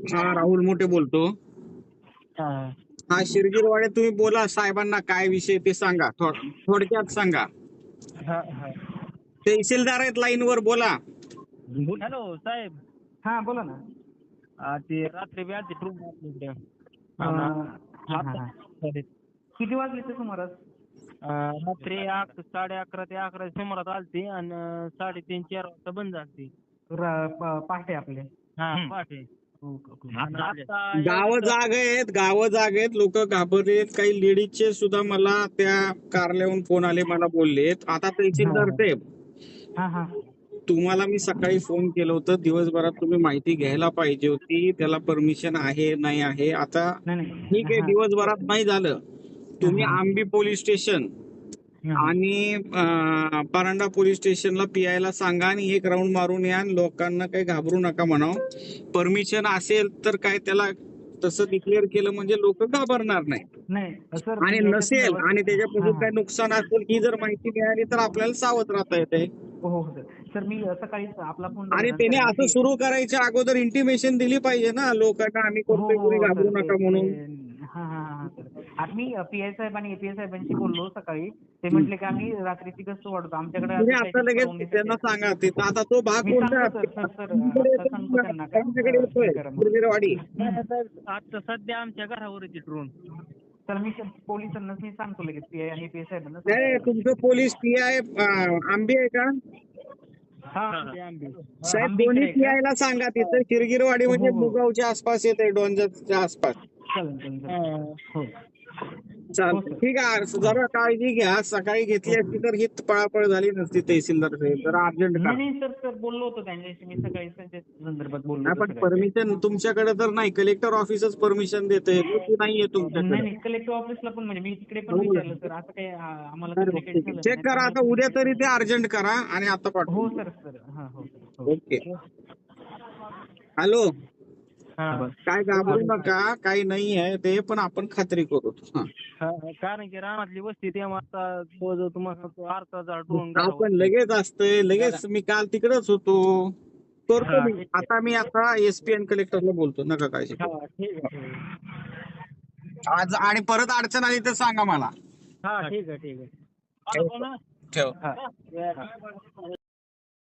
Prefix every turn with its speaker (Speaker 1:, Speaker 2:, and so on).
Speaker 1: हा राहुल मोठे बोलतो.
Speaker 2: हा
Speaker 1: हा शिरगिरवाडे, तुम्ही बोला साहेबांना काय विषय ते सांगा, थोडक्यात सांगा.
Speaker 2: हा हा.
Speaker 1: तहसीलदार आहेत लाईनवर, बोला.
Speaker 2: हॅलो साहेब.
Speaker 3: हा बोला ना.
Speaker 2: ते रात्री बी आलती ट्रूप आपल्याकडे.
Speaker 3: किती वाजले ते सुमारास?
Speaker 2: रात्री 11:30 ते 11 सुमारास आलती आणि 3:30-4 वाजता बंद झालती.
Speaker 3: पहाटे आपले.
Speaker 2: हा पहाटे.
Speaker 1: गावं जाग आहेत, लोक घाबरलेत. काही लेडीजचे सुद्धा मला त्या कार्यालयाहून फोन आले, मला बोललेत. आता तहसीलदार साहेब,
Speaker 3: हा हा.
Speaker 1: तुम्हाला मी सकाळी फोन केलं होतं, दिवसभरात तुम्ही माहिती घ्यायला पाहिजे होती. त्याला परमिशन आहे नाही आहे. आता ठीक आहे, दिवसभरात नाही झालं, तुम्ही आंबी पोलीस स्टेशन आणि परांडा पोलीस स्टेशनला पीआयला सांगा आणि एक राऊंड मारून या. लोकांना काही घाबरू नका म्हणावं. परमिशन असेल तर काय त्याला तसं डिक्लेअर केलं म्हणजे लोक घाबरणार नाही. आणि नसेल आणि त्याच्यापासून काय नुकसान असेल ही जर माहिती मिळाली तर आपल्याला सावध राहता येते.
Speaker 3: हो सर, मी सकाळी आपला फोन
Speaker 1: आणि त्याने असं सुरू करायच्या अगोदर इंटिमेशन दिली पाहिजे ना लोकांना, आम्ही करतोय, कोणी घाबरू नका म्हणून.
Speaker 3: आता मी पीआय साहेब आणि एपीआय साहेबांशी बोललो सकाळी. ते म्हटले की आम्ही रात्रीची गस्त वाढवतो, आमच्याकडे
Speaker 1: तुम्ही आता लगेच त्यांना सांगा. आता तो भाग कोणता शिरगिरवाडी.
Speaker 2: आता सध्या आमच्या घरावर येते ड्रोन.
Speaker 3: तर मी पोलिसांना मी सांगतो लगेच, पीआय आणि एपीआय साहेबांना.
Speaker 1: नाही, तुमचं पोलीस पीआय आंबे आहे का साहेब? दोन्ही पीआयला सांगा तिथं. शिरगिरवाडी म्हणजे मुगावच्या आसपास येते, डोंजरच्या आसपास. चालतं, ठीक आहे. जरा काळजी घ्या. सकाळी घेतली असती तर ही पळापळ झाली नसती. तहसीलदार साहेब जरा अर्जंट करा.
Speaker 3: नाही सर, बोललो होतो त्यांच्याशी मी सकाळी त्यांच्या संदर्भात बोललो होतो.
Speaker 1: पण परमिशन तुमच्याकडे तर नाही, कलेक्टर ऑफिसच परमिशन देते, नाहीये तुमच्याकडे.
Speaker 3: नाही, कलेक्टर ऑफिसला पण म्हणजे मी तिकडे पण विचारलं सर, असं काही आम्हाला
Speaker 1: चेक करा आता, उद्या तरी ते अर्जंट करा आणि आता पाठवा.
Speaker 3: हो सर. हा हो.
Speaker 1: ओके. हॅलो, काय घाबरू नका, काही नाही आहे ते, पण आपण खात्री करू.
Speaker 2: कारण की रानातली वस्ती तेव्हा आता तुम्हाला अर्धा ड्रोन
Speaker 1: आपण लगेच असतंय, लगेच. मी काल तिकडेच होतो, करतो मी. आता एसपी आणि कलेक्टरला बोलतो, नका काळजी. आज आणि परत अडचण आली तर सांगा मला.
Speaker 2: हा ठीक आहे.
Speaker 1: ठेव.